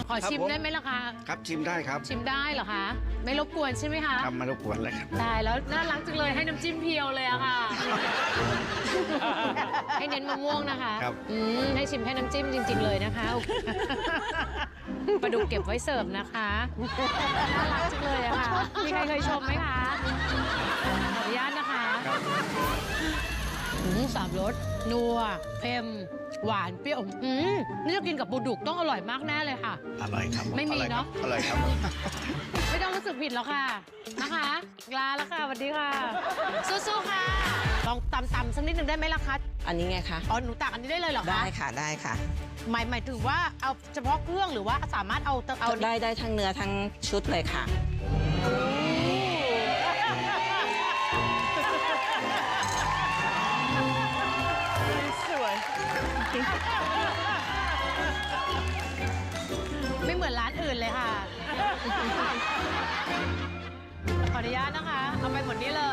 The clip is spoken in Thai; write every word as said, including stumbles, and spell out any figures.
ขอชิมได้ไหมล่ะคะครับชิมได้ครับชิมได้เหรอคะ ไม่รบกวนใช่ไหมคะทำมารบกวนเลยครับได้แล้วน่ารักจังเลยให้น้ำจิ้มเพียวเลยอะค่ะ ให้เน้นมะม่วงนะคะครับอืมให้ชิมแค่น้ำจิ้มจริง ๆ เลยนะคะปลาดุกเก็บไว้เสิร์ฟนะคะน่ารักจังเลยอะค่ะมีใครเคยชมไหมคะขออนุญาตนะคะอืมสามรสนัวเค็มหวานเปรี้ยวอืมนี่จะกินกับปลาดุกต้องอร่อยมากแน่เลยค่ะอร่อยครับไม่มีเนอะอร่อยครับไม่ต้องรู้สึกผิดแล้วค่ะนะคะลาแล้วค่ะสวัสดีค่ะสู้ๆค่ะลองตำๆสักนิดหนึ่งได้ไหมล่ะคะอันนี้ไงคะอ๋อหนูตักอันนี้ได้เลยเหรอคะได้ค่ะได้ค่ะหมายหมายถึงว่าเอาเฉพาะเครื่องหรือว่าสามารถเอาเอาได้ได้ทั้งเนื้อทั้งชุดเลยค่ะสวยไม่เหมือนร้านอื่นเลยค่ะขออนุญาตนะคะเอาไปหมดนี้เล